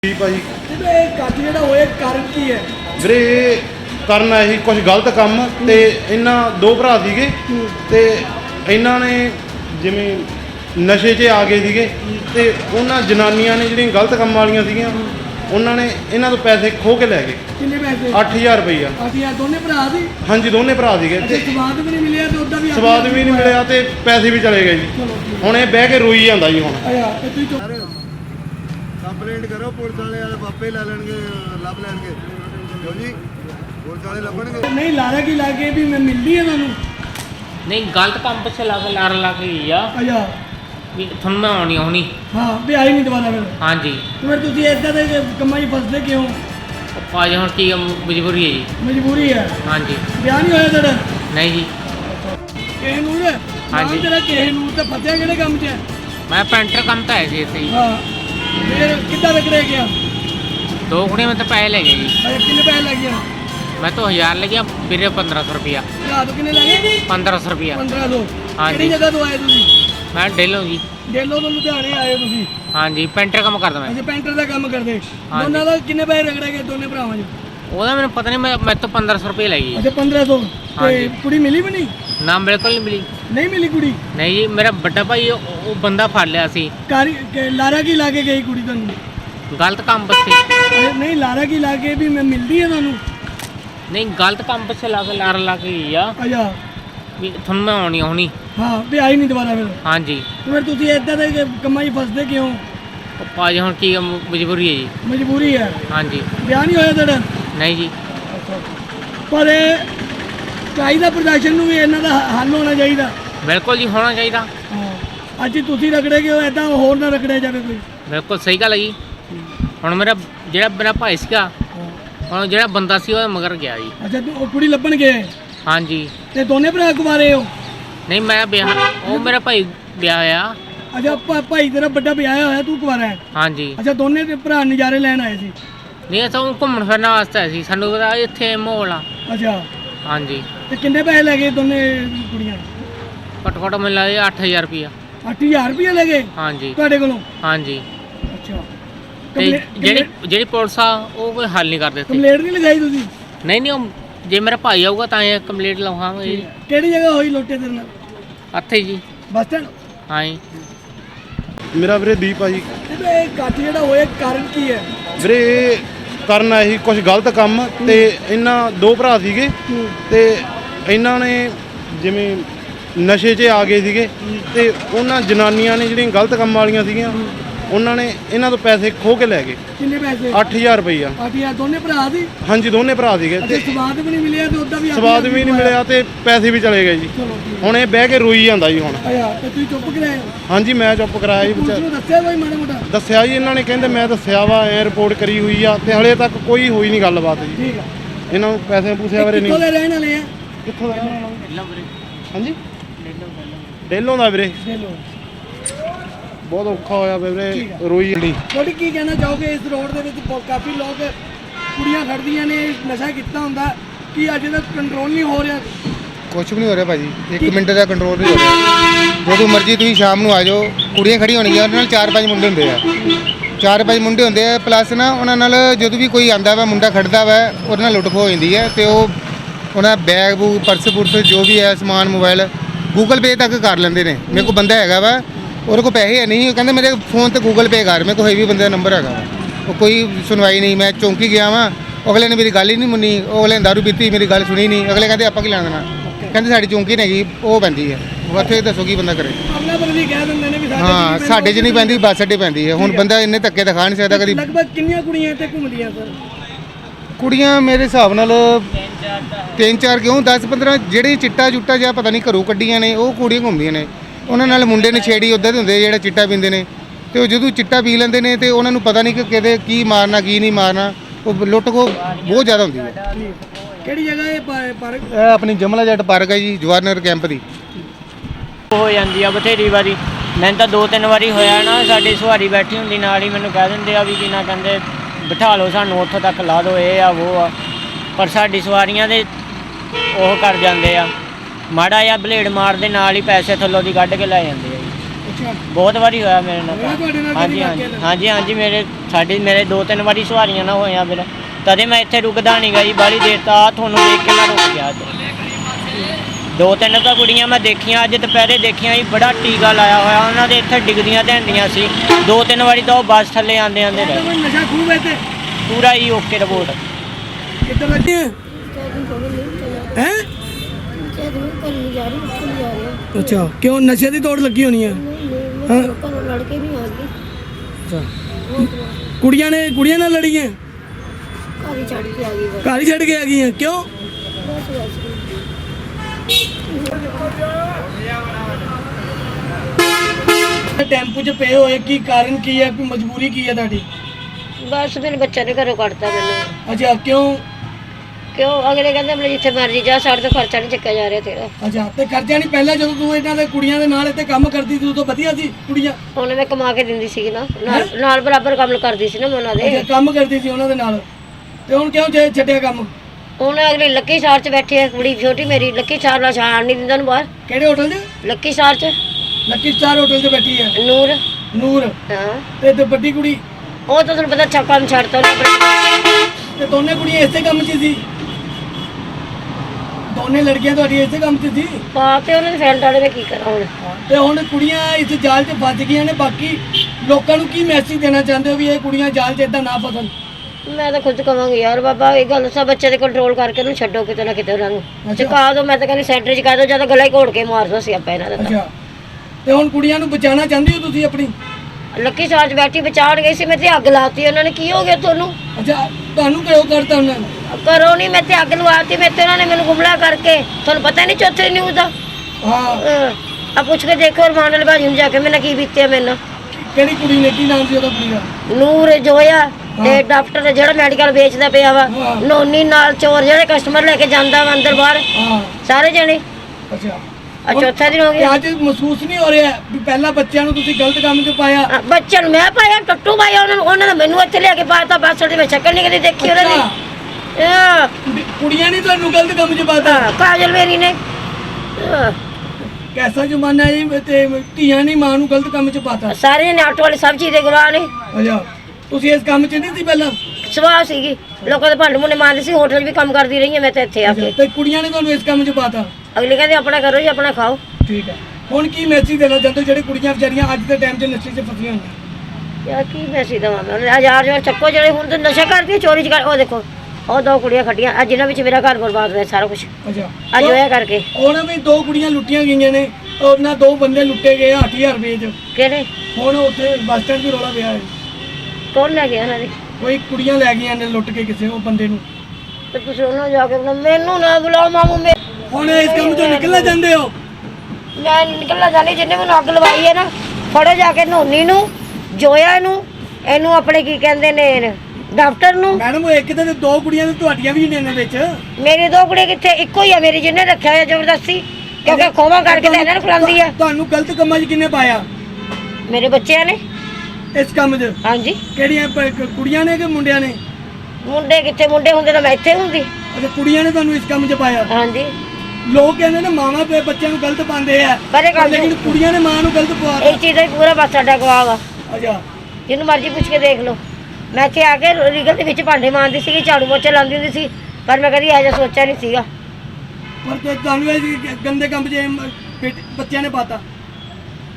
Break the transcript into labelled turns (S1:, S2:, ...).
S1: ਜੀ ਭਾਜੀ
S2: ਇਹ ਕੱਟ ਜਿਹੜਾ ਹੋਇਆ ਕਾਰਨ ਕੀ ਹੈ?
S1: ਵੀਰੇ ਕਰਨਾ ਇਹੀ ਕੁਝ ਗਲਤ ਕੰਮ ਤੇ ਇਹਨਾਂ ਦੋ ਭਰਾ ਸੀਗੇ ਤੇ ਇਹਨਾਂ ਨੇ ਜਿਵੇਂ ਨਸ਼ੇ 'ਚ ਆ ਗਏ ਸੀਗੇ ਤੇ ਉਹਨਾਂ ਜਨਾਨੀਆਂ ਨੇ ਜਿਹੜੀਆਂ ਗਲਤ ਕੰਮ ਵਾਲੀਆਂ ਸੀਗੀਆਂ ਉਹਨਾਂ ਨੇ ਇਹਨਾਂ ਤੋਂ ਪੈਸੇ ਖੋਹ ਕੇ ਲੈ ਗਏ।
S2: ਕਿੰਨੇ ਪੈਸੇ?
S1: 8000 ਰੁਪਈਆ।
S2: 8000 ਦੋਨੇ ਭਰਾ ਸੀ?
S1: ਹਾਂਜੀ ਦੋਨੇ ਭਰਾ ਸੀਗੇ
S2: ਤੇ ਸਵਾਦ ਵੀ ਨਹੀਂ ਮਿਲਿਆ ਤੇ ਉਦਾਂ ਵੀ
S1: ਸਵਾਦ ਵੀ ਨਹੀਂ ਮਿਲਿਆ ਤੇ ਪੈਸੇ ਵੀ ਚਲੇ ਗਏ ਜੀ। ਹੁਣ ਇਹ ਬਹਿ ਕੇ ਰੋਈ ਜਾਂਦਾ ਜੀ। ਹੁਣ
S2: ਆਇਆ ਤੇ ਤੁਸੀਂ
S3: ਕੰਪਲੇਂਟ ਕਰੋ, ਪੁਲਿਸ ਵਾਲੇ ਆਪੇ ਲੈ ਲੈਣਗੇ, ਲੱਭ ਲੈਣਗੇ ਕਿਉਂ ਜੀ, ਪੁਲਿਸ ਵਾਲੇ ਲੱਭਣਗੇ।
S2: ਨਹੀਂ ਲਾਰਾ ਕੀ ਲਾਗੇ ਵੀ ਮੈਂ ਮਿਲਦੀ ਹੈ ਤੁਹਾਨੂੰ?
S4: ਨਹੀਂ ਗਲਤ ਕੰਮ ਪਿੱਛੇ ਲਾ ਕੇ ਗਈ ਆ
S2: ਆਇਆ
S4: ਵੀ ਤੁਹਾਨੂੰ ਮੈਂ ਆਉਣੀ ਆਉਣੀ।
S2: ਹਾਂ ਵੀ ਆਈ ਨਹੀਂ ਦੁਬਾਰਾ ਫਿਰ?
S4: ਹਾਂਜੀ
S2: ਤੇ ਫਿਰ ਤੁਸੀਂ ਇਦਾਂ ਦੇ ਕੰਮਾਂ 'ਚ ਫਸਦੇ ਕਿਉਂ?
S4: ਭਾਜੀ ਹੁਣ ਕੀ ਮਜਬੂਰੀ ਹੈ ਜੀ।
S2: ਮਜਬੂਰੀ ਹੈ।
S4: ਹਾਂਜੀ
S2: ਵਿਆਹ ਨਹੀਂ ਹੋਇਆ ਤੁਹਾਡਾ?
S4: ਨਹੀਂ ਜੀ।
S2: ਕਿਸੇ ਨੂਰ ਹੈ?
S4: ਹਾਂਜੀ।
S2: ਤੇਰਾ ਕਿਸੇ ਨੂਰ ਤਾਂ ਫਸਿਆ ਕਿਹੜੇ ਕੰਮ 'ਚ ਹੈ?
S4: ਮੈਂ ਪੈਂਟਰ ਕੰਮ ਤਾਂ ਹੈ ਜੀ ਇੱਥੇ ਹੀ।
S2: ਹਾਂ ਫਿਰ ਕਿੱਦਾਂ ਵਿਗੜਿਆ ਗਿਆ?
S4: ਦੋ ਕੁੜੀਆਂ ਮੈਂ ਤਾਂ ਪੈਸੇ ਲੈ ਗਏ ਜੀ।
S2: ਅਰੇ ਕਿੰਨੇ ਪੈਸੇ ਲੱਗ ਗਏ?
S4: ਮੈਂ ਤਾਂ 1000 ਲੈ ਗਿਆ, ਵੀਰੇ 1500 ਰੁਪਿਆ।
S2: ਰਾਤ ਨੂੰ ਕਿੰਨੇ ਲੱਗੇ?
S4: 1500 ਰੁਪਿਆ।
S2: 1500।
S4: ਹਾਂਜੀ।
S2: ਕਿਹੜੀ ਜਗ੍ਹਾ ਤੋਂ ਆਏ ਤੁਸੀਂ?
S4: ਮੈਂ ਡੇਲੋਂ ਜੀ।
S2: ਡੇਲੋ ਤੋਂ ਲੁਧਿਆਣੇ ਆਏ ਹੋ ਤੁਸੀਂ?
S4: ਹਾਂਜੀ ਪੈਂਟਰ ਕੰਮ ਕਰਦਾ ਮੈਂ।
S2: ਅੱਛਾ ਪੈਂਟਰ ਦਾ ਕੰਮ ਕਰਦੇ।
S4: ਹਾਂਜੀ।
S2: ਦੋਨਾਂ ਦਾ ਕਿੰਨੇ ਪੈਸੇ ਰਗੜੇ ਗਏ ਦੋਨੇ ਭਰਾਵਾਂ 'ਚ?
S4: ਉਹਦਾ ਮੈਨੂੰ ਪਤਾ ਨਹੀਂ, ਮੈਂ ਤਾਂ 1500 ਰੁਪਏ ਲੈ ਗਈ।
S2: ਅੱਛਾ 1500। ਤੇ
S4: ਹਾਂਜੀ।
S2: ਕੁੜੀ ਮਿਲੀ ਵੀ ਨਹੀਂ?
S4: ਨਾ ਬਿਲਕੁਲ ਨਹੀਂ ਮਿਲੀ।
S2: ਨਹੀਂ ਮਿਲੀ ਕੁੜੀ?
S4: ਨਹੀਂ ਜੀ, ਮੇਰਾ ਵੱਡਾ ਭਾਈ ਉਹ ਬੰਦਾ ਫੜ ਲਿਆ ਸੀ।
S2: ਲਾਰਾ ਕੀ ਲਾ ਕੇ ਗਈ ਕੁੜੀ ਤੁਹਾਨੂੰ?
S4: ਗਲਤ ਕੰਮ ਪਿੱਛੇ।
S2: ਨਹੀਂ ਲਾਰਾ ਕੀ ਲਾ ਕੇ ਵੀ ਮੈਂ ਮਿਲਦੀ ਹੈ ਤੁਹਾਨੂੰ?
S4: ਨਹੀਂ ਗਲਤ ਕੰਮ ਪਿੱਛੇ ਲਾ ਕੇ ਗਈ ਆ
S2: ਅੱਛਾ
S4: ਵੀ ਤੁਹਾਨੂੰ ਮੈਂ ਆਉਣੀ।
S2: ਹਾਂ ਵੀ ਆਈ ਨਹੀਂ ਦੁਬਾਰਾ ਫਿਰ?
S4: ਹਾਂਜੀ
S2: ਤੇ ਫਿਰ ਤੁਸੀਂ ਇਦਾਂ ਦੇ ਕੰਮਾਂ 'ਚ ਫਸਦੇ ਕਿਉਂ?
S4: ਭਾਜੀ ਹੁਣ ਕੀ ਮਜਬੂਰੀ ਹੈ ਜੀ।
S2: ਮਜਬੂਰੀ ਹੈ।
S4: ਹਾਂਜੀ
S2: ਵਿਆਹ ਨਹੀਂ ਹੋਇਆ ਤੁਹਾਡਾ?
S4: ਨਹੀਂ ਜੀ।
S2: ਪਰ ਚਾਹੀਦਾ ਪ੍ਰਸ਼ਾਸਨ ਨੂੰ ਵੀ ਇਹਨਾਂ ਦਾ ਹੱਲ ਹੋਣਾ ਚਾਹੀਦਾ।
S4: ਬਿਲਕੁਲ ਜੀ, ਹੋਣਾ ਚਾਹੀਦਾ।
S2: ਹਾਂ ਅੱਜ ਤੁਸੀਂ ਰਗੜੇ ਗਏ ਹੋ, ਇਦਾਂ ਹੋਰ ਨਾ ਰਗੜਿਆ ਜਾਵੇ ਕੋਈ।
S4: ਬਿਲਕੁਲ ਸਹੀ ਗੱਲ ਹੈ ਜੀ। ਹੁਣ ਜਿਹੜਾ ਮੇਰਾ ਭਾਈ ਸੀਗਾ, ਹੁਣ ਜਿਹੜਾ ਬੰਦਾ ਸੀ ਉਹ ਮਗਰ ਗਿਆ ਜੀ।
S2: ਅੱਛਾ ਉਹ ਕੁੜੀ ਲੱਭਣ ਗਏ?
S4: ਹਾਂਜੀ।
S2: ਤੇ ਦੋਨੇ ਭਰਾ ਕੁਵਾਰੇ ਹੋ?
S4: ਨਹੀਂ ਮੈਂ ਉਹ ਮੇਰਾ ਭਾਈ ਵਿਆਹ ਹੋਇਆ।
S2: ਅੱਛਾ ਭਾਈ ਤੇਰਾ ਵੱਡਾ ਵਿਆਹਿਆ ਹੋਇਆ, ਤੂੰ ਕੁਵਾਰਾ ਹੈ?
S4: ਹਾਂਜੀ।
S2: ਅੱਛਾ ਦੋਨੇ ਤੇ ਭਰਾ ਨਜ਼ਾਰੇ ਲੈਣ ਆਏ ਸੀ?
S4: ਨਹੀਂ ਅਸਾਂ ਉਹ ਘੁੰਮਣ ਫਿਰਨ ਵਾਸਤੇ ਆਏ ਸੀ, ਸਾਨੂੰ ਪਤਾ ਇੱਥੇ ਮਾਹੌਲ ਆ।
S2: ਅੱਛਾ
S4: ਹਾਂਜੀ।
S2: ਤੇ ਕਿੰਨੇ ਪੈਸੇ ਲੈ ਗਏ ਦੋਨੇ ਕੁੜੀਆਂ?
S4: ਘੱਟੋ ਘੱਟ ਮੈਨੂੰ ਲੱਗਦਾ 8000 ਰੁਪਇਆ।
S2: 8000 ਰੁਪਏ ਲੈ ਗਏ
S4: ਹਾਂਜੀ।
S2: ਤੁਹਾਡੇ ਕੋਲੋਂ?
S4: ਹਾਂਜੀ।
S2: ਅੱਛਾ
S4: ਤੇ ਜਿਹੜੀ ਪੁਲਿਸ ਆ ਉਹ ਕੋਈ ਹੱਲ ਨਹੀਂ ਕਰਦੇ ਇੱਥੇ।
S2: ਕੰਪਲੇਂਟ ਨਹੀਂ ਲਗਾਈ ਤੁਸੀਂ?
S4: ਨਹੀਂ ਉਹ ਜੇ ਮੇਰਾ ਭਾਈ ਆਊਗਾ ਤਾਂ ਇਹ ਕੰਪਲੀਟ ਲਵਾਂਗੇ।
S2: ਕਿਹੜੀ ਜਗ੍ਹਾ ਹੋਈ ਲੋਟੇ ਤੇਰੇ ਨਾਲ?
S4: ਇੱਥੇ ਜੀ।
S2: Bus stand?
S4: ਹਾਂ ਜੀ।
S1: ਮੇਰਾ ਵੀਰੇ ਦੀਪ ਆ ਜੀ।
S2: ਇਹ ਕੱਟ ਜਿਹੜਾ ਹੋਇਆ ਕਾਰਨ ਕੀ ਹੈ?
S1: ਵੀਰੇ ਕਰਨਾ ਇਹੀ ਕੁਝ ਗਲਤ ਕੰਮ ਤੇ ਇਹਨਾਂ ਦੋ ਭਰਾ ਸੀਗੇ ਤੇ ਇਹਨਾਂ ਨੇ ਜਿਵੇਂ ਨਸ਼ੇ 'ਚ ਆ ਗਏ ਸੀਗੇ ਤੇ ਉਹਨਾਂ ਜਨਾਨੀਆਂ ਨੇ ਜਿਹੜੀਆਂ ਗਲਤ ਕੰਮ ਵਾਲੀਆਂ ਸੀਗੀਆਂ ਉਹਨਾਂ ਨੇ ਇਹਨਾਂ ਤੋਂ ਪੈਸੇ ਖੋਹ ਕੇ ਲੈ ਗਏ।
S2: ਕਿੰਨੇ ਪੈਸੇ?
S1: 8000 ਰੁਪਈਆ।
S2: 8000 ਦੋਨੇ ਭਰਾ ਸੀ?
S1: ਹਾਂਜੀ ਦੋਨੇ ਭਰਾ ਸੀਗੇ
S2: ਅੱਛਾ
S1: ਤੇ
S2: ਸਵਾਦ ਵੀ ਨਹੀਂ ਮਿਲਿਆ ਤੇ ਉਦਾਂ ਵੀ
S1: ਸਵਾਦ ਵੀ ਨਹੀਂ ਮਿਲਿਆ ਤੇ ਪੈਸੇ ਵੀ ਚਲੇ ਗਏ ਜੀ।
S2: ਚਲੋ ਠੀਕ।
S1: ਹੁਣ ਇਹ ਬਹਿ ਕੇ ਰੋਈ ਜਾਂਦਾ ਜੀ। ਹੁਣ
S2: ਆਇਆ ਤੇ ਤੁਸੀਂ ਚੁੱਪ ਕਰਾਏ?
S1: ਹਾਂਜੀ ਮੈਂ ਚੁੱਪ ਕਰਾਇਆ ਜੀ।
S2: ਪੁਲਿਸ ਨੂੰ ਦੱਸਿਆ ਕੋਈ ਮਾੜਾ ਮੋਟਾ?
S1: ਦੱਸਿਆ ਜੀ ਇਹਨਾਂ ਨੇ, ਕਹਿੰਦੇ ਮੈਂ ਦੱਸਿਆ ਵਾ ਐ ਰਿਪੋਰਟ ਕਰੀ ਹੋਈ ਆ ਤੇ ਹਲੇ ਤੱਕ ਕੋਈ ਹੋਈ ਨਹੀਂ ਗੱਲਬਾਤ ਜੀ।
S2: ਠੀਕ ਆ।
S1: ਇਹਨਾਂ ਨੂੰ ਪੈਸੇ ਪੂਸਿਆਂ ਬਾਰੇ
S2: ਕਿੱਥੋਂ
S1: ਨਹੀਂ।
S2: ਦੇ ਰਹਿਣ ਵਾਲੇ ਆ?
S1: ਕਿੱਥੋਂ ਦਾ? ਹਾਂਜੀ ਡੇਲੋਂ ਦਾ ਵੀਰੇ।
S2: ਚਲੋ
S1: ਬਹੁਤ ਔਖਾ ਹੋਇਆ ਵੀਰੇ, ਰੋਈ ਜਿਹੜੀ।
S2: ਤੁਹਾਡੀ ਕੀ ਕਹਿਣਾ ਚਾਹੋਗੇ? ਇਸ ਰੋਡ ਦੇ ਵਿੱਚ ਕਾਫੀ ਲੋਕ ਕੁੜੀਆਂ ਖੜਦੀਆਂ ਨੇ, ਨਸ਼ਾ ਕੀਤਾ ਹੁੰਦਾ, ਕੀ ਅੱਜ ਤੱਕ ਕੰਟਰੋਲ ਨਹੀਂ ਹੋ ਰਿਹਾ?
S3: ਕੁਛ ਵੀ ਨਹੀਂ ਹੋ ਰਿਹਾ ਭਾਜੀ, 1 ਮਿੰਟ ਦਾ ਕੰਟਰੋਲ ਨਹੀਂ ਹੋ ਰਿਹਾ। ਜਦੋਂ ਮਰਜ਼ੀ ਤੁਸੀਂ ਸ਼ਾਮ ਨੂੰ ਆ ਜਾਓ, ਕੁੜੀਆਂ ਖੜੀ ਹੋਣਗੀਆਂ, ਉਹਨਾਂ ਨਾਲ 4-5 ਮੁੰਡੇ ਹੁੰਦੇ ਆ। 4-5 ਮੁੰਡੇ ਹੁੰਦੇ ਆ ਪਲੱਸ ਨਾ ਉਹਨਾਂ ਨਾਲ ਜਦੋਂ ਵੀ ਕੋਈ ਆਂਦਾ ਵਾ ਮੁੰਡਾ ਖੜਦਾ ਵਾ ਉਹਦੇ ਨਾਲ ਲੁੱਟ ਖੋਹ ਹੋ ਜਾਂਦੀ ਹੈ ਤੇ ਉਹ ਉਹਨਾਂ ਬੈਗ ਬੂਗ ਪਰਸ ਜੋ ਵੀ ਹੈ ਸਮਾਨ ਮੋਬਾਈਲ ਗੂਗਲ ਪੇ ਤੱਕ ਕਰ ਲੈਂਦੇ ਨੇ। ਮੇਰੇ ਕੋਲ ਬੰਦਾ ਹੈਗਾ ਵਾ, ਉਹਦੇ ਕੋਲ ਪੈਸੇ ਹੈ ਨਹੀਂ, ਉਹ ਕਹਿੰਦਾ ਮੇਰੇ ਫੋਨ ਤੇ ਗੂਗਲ ਪੇ ਕਰ, ਮੇਰੇ ਕੋਲ ਹੈਵੀ ਬੰਦੇ ਦਾ ਨੰਬਰ ਹੈਗਾ ਵਾ। ਉਹ ਕੋਈ ਸੁਣਵਾਈ ਨਹੀਂ। ਮੈਂ ਚੌਂਕੀ ਗਿਆ ਵਾਂ, ਅਗਲੇ ਨੇ ਮੇਰੀ ਗੱਲ ਹੀ ਨਹੀਂ ਮੰਨੀ। ਉਹ ਅਗਲੇ ਨੇ ਦਾਰੂ ਪੀਤੀ, ਮੇਰੀ ਗੱਲ ਸੁਣੀ ਨਹੀਂ। ਅਗਲੇ ਕਹਿੰਦੇ ਆਪਾਂ ਕੀ ਲੈਣਾ ਦੇਣਾ, ਕਹਿੰਦੇ ਸਾਡੀ ਚੌਂਕੀ ਨਹੀਂ ਹੈਗੀ, ਉਹ ਪੈਂਦੀ ਹੈ ਉੱਥੇ। ਦੱਸੋ ਕੀ ਬੰਦਾ ਕਰੇ?
S2: ਅਗਲਾ ਬੰਦੇ ਕਹਿ ਦਿੰਦੇ ਨੇ ਵੀ
S3: ਹਾਂ ਸਾਡੇ 'ਚ ਨਹੀਂ ਪੈਂਦੀ, ਬੱਸ ਅੱਡੇ ਪੈਂਦੀ ਹੈ। ਹੁਣ ਬੰਦਾ ਇੰਨੇ ਧੱਕੇ ਦਿਖਾ ਨਹੀਂ ਸਕਦਾ ਕਦੀ।
S2: ਲਗਭਗ ਕਿੰਨੀਆਂ ਕੁੜੀਆਂ ਇੱਥੇ ਘੁੰਮਦੀਆਂ ਸਰ?
S3: ਕੁੜੀਆਂ ਮੇਰੇ ਹਿਸਾਬ ਨਾਲ 3-4 ਕਿਉਂ 10-15 ਜਿਹੜੇ ਚਿੱਟਾ ਚੁੱਟਾ ਜਾਂ ਪਤਾ ਨਹੀਂ ਘਰੋਂ ਕੱਢੀਆਂ ਨੇ ਉਹ ਕੁੜੀਆਂ ਘੁੰਮਦੀਆਂ ਨੇ। ਉਹਨਾਂ ਨਾਲ ਮੁੰਡੇ ਨਸ਼ੇੜੀ ਉੱਦਾਂ ਦੇ ਹੁੰਦੇ ਜਿਹੜਾ ਚਿੱਟਾ ਪੀਂਦੇ ਨੇ ਤੇ ਉਹ ਜਦੋਂ ਚਿੱਟਾ ਪੀ ਲੈਂਦੇ ਨੇ ਤੇ ਉਹਨਾਂ ਨੂੰ ਪਤਾ ਨਹੀਂ ਕਿ ਕਿਹਦੇ ਕੀ ਮਾਰਨਾ ਕੀ ਨਹੀਂ ਮਾਰਨਾ। ਉਹ ਲੁੱਟ ਖੋਹ ਬਹੁਤ ਜ਼ਿਆਦਾ ਹੁੰਦੀ ਹੈ।
S2: ਕਿਹੜੀ ਜਗ੍ਹਾ ਇਹ ਪਾਰਕ?
S3: ਇਹ ਆਪਣੀ ਜਮਲਾ ਜੱਟ ਪਾਰਕ ਹੈ ਜੀ, ਜਵਾਹਰ ਕੈਂਪ ਦੀ।
S4: ਹੋ ਜਾਂਦੀ ਆ ਬਥੇਰੀ ਵਾਰੀ। ਮੈਨੂੰ ਤਾਂ 2-3 ਵਾਰੀ ਹੋਇਆ ਨਾ, ਸਾਡੀ ਸਵਾਰੀ ਬੈਠੀ ਹੁੰਦੀ ਨਾਲ ਹੀ ਮੈਨੂੰ ਕਹਿ ਦਿੰਦੇ ਆ ਵੀ ਕੀ ਨਾ ਕਹਿੰਦੇ ਬਿਠਾ ਲਓ ਸਾਨੂੰ, ਉੱਥੋਂ ਤੱਕ ਲਾ ਦਿਓ, ਇਹ ਆ ਉਹ ਆ। ਪਰ ਸਾਡੀ ਸਵਾਰੀਆਂ ਦੇ ਉਹ ਕਰ ਜਾਂਦੇ ਆ, ਮਾੜਾ ਜਿਹਾ ਬਲੇਡ ਮਾਰ ਦੇ ਨਾਲ ਹੀ ਪੈਸੇ ਥੱਲੋਂ ਦੀ ਕੱਢ ਕੇ ਲੈ ਜਾਂਦੇ ਆ ਜੀ।
S2: ਅੱਛਾ
S4: ਬਹੁਤ ਵਾਰੀ ਹੋਇਆ ਮੇਰੇ ਨਾਲ
S2: ਹੋਇਆ ਤੁਹਾਡੇ ਨਾਲ
S4: ਹਾਂਜੀ
S2: ਕਦੀ
S4: ਹਾਂਜੀ
S2: ਵਾਕਿਆ?
S4: ਹਾਂਜੀ ਮੇਰੇ 2-3 ਵਾਰੀ ਸਵਾਰੀਆਂ ਨਾਲ ਹੋਇਆ ਫਿਰ ਤਦੇ ਮੈਂ ਇੱਥੇ ਰੁਕਦਾ ਨਹੀਂ ਗਾ ਜੀ ਬਾਹਲੀ ਦੇਰ ਤਾਂ ਤੁਹਾਨੂੰ ਦੇਖ ਕੇ ਮੈਂ ਰੁਕ ਗਿਆ ਅੱਜ 2-3 ਤਾਂ ਕੁੜੀਆਂ ਮੈਂ ਦੇਖੀਆਂ ਅੱਜ ਦੁਪਹਿਰੇ ਦੇਖੀਆਂ ਜੀ ਬੜਾ ਟੀਕਾ ਲਾਇਆ ਹੋਇਆ ਉਹਨਾਂ ਦੇ ਇੱਥੇ ਡਿੱਗਦੀਆਂ ਢਹਿੰਦੀਆਂ ਸੀ 2-3 ਵਾਰੀ ਤਾਂ ਉਹ ਬੱਸ ਥੱਲੇ ਆਂਦੇ
S2: ਇਹਦਾ
S4: ਰਹੇ
S2: ਕੋਈ ਨਸ਼ਾ ਖੂਬ ਹੈ ਤੇ
S4: ਪੂਰਾ ਹੀ ਓਕੇ ਰਿਪੋਰਟ
S2: ਕਿੱਧਰ ਲੱਗੇ ਹੈ ਅੱਛਾ ਕਿਉਂ ਨਸ਼ੇ ਦੀ ਤੋੜ ਲੱਗੀ ਹੋਣੀ ਹੈ ਹਾਂ
S5: ਲੜਕੇ ਨਹੀਂ ਆ ਗਏ
S2: ਅੱਛਾ ਕੁੜੀਆਂ ਨਾਲ ਲੜੀਆਂ
S5: ਘਰ ਹੀ ਛੱਡ ਕੇ ਆ ਗਈ ਬਸ
S2: ਘਰ ਹੀ ਛੱਡ ਕੇ ਆ ਗਈਆਂ ਕਿਉਂ
S5: ਬਸ
S2: ਟੈਂਪੂ 'ਚ ਪਏ ਹੋਏ ਕੀ ਕਾਰਨ ਕੀ ਹੈ ਕੋਈ ਮਜਬੂਰੀ ਕੀ ਹੈ ਤੁਹਾਡੀ
S5: ਬਸ ਮੇਰੇ ਬੱਚੇ ਨੇ ਘਰੋਂ ਕੱਢਤਾ ਮੈਨੂੰ
S2: ਅੱਛਾ ਕਿਉਂ
S5: ਅਗਲੇ ਕਹਿੰਦੇ ਮੈਂ ਜਿੱਥੇ ਮਰਜੀ ਜਾ ਸਾਡੇ ਤੋਂ ਖਰਚਾ ਨਹੀਂ ਚੱਕਿਆ ਜਾ ਰਿਹਾ ਤੇਰਾ
S2: ਅੱਛਾ ਤੇ ਖਰਚਾ ਨਹੀਂ ਪਹਿਲਾਂ ਜਦੋਂ ਤੂੰ ਇਹਨਾਂ ਦੇ ਕੁੜੀਆਂ ਦੇ ਨਾਲ ਇੱਥੇ ਕੰਮ ਕਰਦੀ ਸੀ ਉਦੋਂ ਵਧੀਆ ਸੀ ਕੁੜੀਆਂ
S5: ਉਹਨੇ ਮੈਂ ਕਮਾ ਕੇ ਦਿੰਦੀ ਸੀ ਨਾ ਨਾਲ ਬਰਾਬਰ ਕੰਮ ਕਰਦੀ ਸੀ ਨਾ ਮੈਂ ਉਹਨਾਂ ਦੇ
S2: ਅੱਛਾ ਕੰਮ ਕਰਦੀ ਸੀ ਉਹਨਾਂ ਦੇ ਨਾਲ ਤੇ ਹੁਣ ਕਿਉਂ ਛੱਡਿਆ ਕੰਮ
S5: ਉਹਨੇ ਅਗਲੇ ਲੱਕੀ ਸ਼ਹਿਰ 'ਚ ਬੈਠੀ ਹੈ ਕੁੜੀ ਛੋਟੀ ਮੇਰੀ ਲੱਕੀ ਸ਼ਹਿਰ ਨਾਲ ਛਾਣ ਨਹੀਂ ਦਿੰਦਾ ਨੂੰ ਬਾਹਰ
S2: ਕਿਹੜੇ ਹੋਟਲ 'ਚ
S5: ਲੱਕੀ ਸ਼ਹਿਰ 'ਚ
S2: ਲੱਕੀ ਸਟਾਰ ਹੋਟਲ 'ਚ ਬੈਠੀ ਹੈ
S5: ਨੂਰ
S2: ਨੂਰ
S5: ਹਾਂ
S2: ਤੇ ਵੱਡੀ ਕੁੜੀ
S5: ਉਹ ਤਾਂ ਤੁਹਾਨੂੰ ਪਤਾ ਅੱਛਾ ਕੰਮ ਛੱਡਤਾ ਉਹਨੇ
S2: ਤੇ ਦੋਨੇ ਕੁੜੀਆਂ ਇਸੇ ਕੰਮ 'ਚ ਸੀ ਦੋਨੇ ਲੜਕੀਆਂ ਤੁਹਾਡੀ ਇਸੇ ਕੰਮ 'ਚ ਸੀ
S5: ਪਾ ਤੇ ਉਹਨਾਂ ਦੇ ਫਰੈਂਡ ਵਾਲੇ ਨੇ ਕੀ ਕਰਾਂ ਹੁਣ
S2: ਤੇ ਹੁਣ ਕੁੜੀਆਂ ਇਸ ਜਾਲ 'ਚ ਫਸ ਗਈਆਂ ਨੇ ਬਾਕੀ ਲੋਕਾਂ ਨੂੰ ਕੀ ਮੈਸੇਜ ਦੇਣਾ ਚਾਹੁੰਦੇ ਹੋ ਵੀ ਇਹ ਕੁੜੀਆਂ ਜਾਲ 'ਚ ਇਦਾਂ ਨਾ ਫਸਣ
S5: ਮੈਂ ਤਾਂ ਖੁਦ ਕਵਾਂਗੀ ਯਾਰ ਬਾਬਾ ਇਹ ਗੱਲ ਸਭ ਬੱਚੇ ਦੇ ਕੰਟਰੋਲ ਕਰਕੇ ਉਹਨੂੰ ਛੱਡੋ ਕਿਤੇ ਨਾ ਕਿਤੇ ਉਹਨਾਂ ਨੂੰ
S2: ਅੱਛਾ।
S5: ਚੁਕਾ ਦਿਓ ਮੈਂ ਤਾਂ ਕਹਿੰਦੀ ਸੈਂਟਰ 'ਚ ਕਾ ਦਿਓ ਜਾਂ ਤਾਂ ਗਲਾ ਹੀ ਘੋੜ ਕੇ ਮਾਰ ਦਿਓ ਸੀ ਆਪਾਂ ਇਹਨਾਂ ਦਾ ਤਾਂ।
S2: ਅੱਛਾ ਤੇ ਹੁਣ ਕੁੜੀਆਂ ਨੂੰ ਬਚਾਉਣਾ ਚਾਹੁੰਦੇ ਹੋ ਤੁਸੀਂ ਆਪਣੀ
S5: ਲੱਕੀ ਸ਼ਹਿਰ 'ਚ ਬੈਠੀ ਬਚਾਉਣ ਗਈ ਸੀ ਮੈਂ ਤੇ ਅੱਗ ਲਾਤੀ ਉਹਨਾਂ ਨੇ ਕੀ ਹੋ ਗਿਆ ਤੁਹਾਨੂੰ
S2: ਅੱਛਾ ਤੁਹਾਨੂੰ ਕਿਉਂ ਕਰਤਾ ਉਹਨਾਂ ਨੇ
S5: ਕਰੋ ਨਹੀਂ ਮੈਂ ਤੇ ਅੱਗ ਲਵਾਤੀ ਮੈਂ ਤੇ ਉਹਨਾਂ ਨੇ ਮੈਨੂੰ ਗੁੰਮਰਾਹ ਕਰਕੇ ਤੁਹਾਨੂੰ ਪਤਾ ਨਹੀਂ ਚੌਥੇ ਨਿਊਜ਼ ਦਾ
S2: ਹਾਂ
S5: ਆ ਪੁੱਛ ਕੇ ਦੇਖੋ ਰਮਾਨ ਵਾਲੇ ਭਾਜੀ ਨੂੰ ਜਾ ਕੇ ਮੈਨਾਂ ਕੀ ਬੀਤਿਆ ਮੈਨੂੰ
S2: ਕਿਹੜੀ ਕੁੜੀ ਨੇ ਕੀ ਨਾਮ ਸੀ ਉਹਦਾ ਕੁੜੀ ਦਾ
S5: ਨੂਰ ਜੋਇਆ ਤੇ ਡਾਕਟਰ ਜਿਹੜਾ ਮੈਡੀਕਲ ਵੇਚਦਾ ਪਿਆ ਵਾ
S2: ਹਾਂ।
S5: ਨੋਨੀ ਨਾਲ ਚੋਰ ਜਿਹੜੇ ਕਸਟਮਰ ਲੈ ਕੇ ਜਾਂਦਾ ਵਾ ਅੰਦਰ ਬਾਹਰ
S2: ਹਾਂ
S5: ਸਾਰੇ ਜਣੇ
S2: ਅੱਛਾ
S5: ਆ ਚੌਥਾ ਦਿਨ ਹੋ
S2: ਤੇ
S5: ਗਿਆ
S2: ਅੱਜ ਮਹਿਸੂਸ ਨਹੀਂ ਹੋ ਰਿਹਾ ਵੀ ਪਹਿਲਾਂ ਬੱਚਿਆਂ ਨੂੰ ਤੁਸੀਂ ਗਲਤ ਕੰਮ 'ਚ ਪਾਇਆ
S5: ਬੱਚਿਆਂ ਨੂੰ ਮੈਂ ਪਾਇਆ ਟੱਟੂ ਪਾਇਆ ਉਹਨਾਂ ਨੇ ਮੈਨੂੰ ਇੱਥੇ ਲਿਆ ਕੇ ਪਾਤਾ ਬੱਸ ਦੇ ਵਿੱਚ ਸ਼ਕਲ ਨਹੀਂ ਕਦੀ ਦੇਖੀ ਉਹਨਾਂ
S2: ਅੱਛਾ,
S5: ਦੀ ਹਾਂ
S2: ਵੀ ਕੁੜੀਆਂ ਨੇ ਤੁਹਾਨੂੰ ਗਲਤ ਕੰਮ 'ਚ ਪਾਤਾ
S5: ਕਾਜਲ ਮੇਰੀ ਨੇ
S2: ਕੈਸਾ ਜ਼ਮਾਨਾ ਹੈ ਜੀ ਤੇ ਧੀਆਂ ਨੇ ਮਾਂ ਨੂੰ ਗਲਤ ਕੰਮ 'ਚ ਪਾਤਾ
S5: ਸਾਰੇ ਜਣੇ ਆਟੋ ਵਾਲੇ ਸਭ ਚੀਜ਼ ਦੇ ਗਵਾਹ ਨੇ
S2: ਅੱਛਾ ਤੁਸੀਂ ਇਸ ਕੰਮ 'ਚ ਨਹੀਂ ਸੀ ਪਹਿਲਾਂ
S5: ਸਵਾਹ ਸੀਗੀ ਲੋਕਾਂ ਦੇ ਭਾਂਡੇ ਮੁੰਨੇ ਮਾਰਦੇ ਸੀ ਹੋਟਲ ਵੀ ਕੰਮ ਕਰਦੀ ਰਹੀ ਹਾਂ ਮੈਂ ਤਾਂ ਇੱਥੇ ਆ ਕੇ
S2: ਤੇ ਕੁੜੀਆਂ ਨੇ ਤੁਹਾਨੂੰ ਇਸ ਕੰਮ 'ਚ ਪਾਤਾ
S5: ਅਗਲੇ ਕਹਿੰਦੇ ਆਪਣਾ ਕਰੋ ਜੀ ਆਪਣਾ ਖਾਓ
S2: ਠੀਕ ਹੈ ਹੁਣ ਕੀ ਮੈਸੇਜ ਦੇਣਾ ਚਾਹੁੰਦੇ ਹੋ ਜਿਹੜੇ ਕੁੜੀਆਂ ਵਿਚਾਰੀਆਂ ਅੱਜ ਦੇ ਟਾਈਮ 'ਚ ਨਸ਼ੇ 'ਚ ਫਸੀਆਂ ਹੋਈਆਂ
S5: ਯਾਰ ਕੀ ਮੈਸੇਜ ਦਵਾਂ ਮੈਂ ਹਜ਼ਾਰ ਚੱਕੋ ਜਿਹੜੇ ਹੁਣ ਤਾਂ ਨਸ਼ਾ ਕਰਦੀ ਚੋਰੀ ਚ ਉਹ ਦੇਖੋ ਉਹ ਦੋ ਕੁੜੀਆਂ ਖੱਟੀਆਂ ਅੱਜ ਜਿਨ੍ਹਾਂ ਵਿੱਚ ਮੇਰਾ ਘਰ ਬਰਬਾਦ ਹੋਇਆ ਸਾਰਾ ਕੁਝ
S2: ਅੱਛਾ
S5: ਅੱਜ ਹੋਇਆ ਕਰਕੇ
S2: ਹੁਣ ਵੀ ਦੋ ਕੁੜੀਆਂ ਲੁੱਟੀਆਂ ਗਈਆਂ ਨੇ ਉਹਨਾਂ ਦੋ ਬੰਦੇ ਲੁੱਟੇ ਗਏ 8000 ਰੁਪਏ 'ਚ
S5: ਕਿਹੜੇ
S2: ਹੁਣ ਉੱਥੇ ਬੱਸ ਸਟੈਂਡ 'ਤੇ ਰੌਲਾ ਪਿਆ ਹੈ
S5: ਕੌਣ ਲੈ ਗਿਆ ਇਹਨਾਂ ਦੇ
S2: ਕੋਈ ਕੁੜੀਆਂ ਲੈ ਗਈਆਂ ਨੇ ਲੁੱਟ ਕੇ ਕਿਸੇ ਉਹ ਬੰਦੇ ਨੂੰ
S5: ਤੇ ਤੁਸੀਂ ਉਹਨਾਂ ਨੂੰ ਜਾ ਕੇ ਬੁਲਾਓ ਮੈਨੂੰ ਨਾ ਬੁਲਾਓ ਮਾਮੂ ਮੇ
S2: ਹੁਣ ਇਸ ਕੰਮ 'ਚੋਂ ਨਿਕਲਣਾ ਚਾਹੁੰਦੇ ਹੋ
S5: ਮੈਂ ਨਿਕਲਣਾ ਚਾਹਨੀ ਜਿੰਨੇ ਮੈਨੂੰ ਅੱਗ ਲਵਾਈ ਹੈ ਨਾ ਫੜੋ ਜਾ ਕੇ ਨੋਨੀ ਨੂੰ ਜੋਇਆ ਨੂੰ ਇਹਨੂੰ ਆਪਣੇ ਕੀ ਕਹਿੰਦੇ ਨੇ ਡਾਕਟਰ ਨੂੰ
S2: ਮੈਡਮ ਉਹ ਇੱਕ ਤੇ ਦੋ ਕੁੜੀਆਂ ਤੇ ਤੁਹਾਡੀਆਂ ਵੀ ਨੇ ਇਹਨਾਂ ਵਿੱਚ
S5: ਮੇਰੀ ਦੋ ਕੁੜੀਆਂ ਕਿੱਥੇ ਇੱਕੋ ਹੀ ਆ ਮੇਰੀ ਜਿਹਨੇ ਰੱਖਿਆ ਹੋਇਆ ਜ਼ਬਰਦਸਤੀ ਕਿਉਂਕਿ ਖੋਵਾ ਕਰਕੇ ਤਾਂ ਇਹਨਾਂ ਨੂੰ ਖਿਲਾਉਂਦੀ ਆ
S2: ਤੁਹਾਨੂੰ ਗਲਤ ਕੰਮਾਂ 'ਚ ਕਿੰਨੇ ਪਾਇਆ
S5: ਮੇਰੇ ਬੱਚਿਆਂ ਨੇ
S2: ਇਸ ਕੰਮ 'ਚ
S5: ਹਾਂਜੀ
S2: ਕਿਹੜੀਆਂ ਕੁੜੀਆਂ ਨੇ ਕਿ ਮੁੰਡਿਆਂ ਨੇ
S5: ਮੁੰਡੇ ਕਿੱਥੇ ਮੁੰਡੇ ਹੁੰਦੇ ਤਾਂ ਮੈਂ ਇੱਥੇ ਹੁੰਦੀ
S2: ਅੱਛਾ ਕੁੜੀਆਂ ਨੇ ਤੁਹਾਨੂੰ ਇਸ ਕੰਮ 'ਚ ਪਾਇਆ
S5: ਹਾਂਜੀ
S2: ਲੋਕ ਕਹਿੰਦੇ ਨੇ ਮਾਵਾਂ ਤੇ ਬੱਚਿਆਂ ਨੂੰ ਗਲਤ ਪਾਉਂਦੇ ਆ
S5: ਪਰ ਇਹ ਗੱਲ
S2: ਲੇਕਿਨ ਕੁੜੀਆਂ ਨੇ ਮਾਂ ਨੂੰ ਗਲਤ ਪਵਾਤਾ
S5: ਇਹ ਚੀਜ਼ ਦਾ ਵੀ ਪੂਰਾ ਬਸ ਸਾਡਾ ਗਵਾਹ ਵਾ
S2: ਅੱਛਾ
S5: ਜਿਹਨੂੰ ਮਰਜ਼ੀ ਪੁੱਛ ਕੇ ਦੇਖ ਲਓ ਮੈਂ ਇੱਥੇ ਆ ਕੇ ਰੀਗਲ ਦੇ ਵਿੱਚ ਭਾਂਡੇ ਮਾਂਜਦੀ ਸੀਗੀ ਝਾੜੂ ਪੋਚਾ ਲਾਉਂਦੀ ਹੁੰਦੀ ਸੀ ਪਰ ਮੈਂ ਕਦੀ ਇਹੋ ਜਿਹਾ ਸੋਚਿਆ ਨਹੀਂ ਸੀਗਾ
S2: ਪਰ ਤੇ ਤੁਹਾਨੂੰ ਇਹ ਗੰਦੇ ਕੰਮ 'ਚ ਬੱਚਿਆਂ ਨੇ ਪਾਤਾ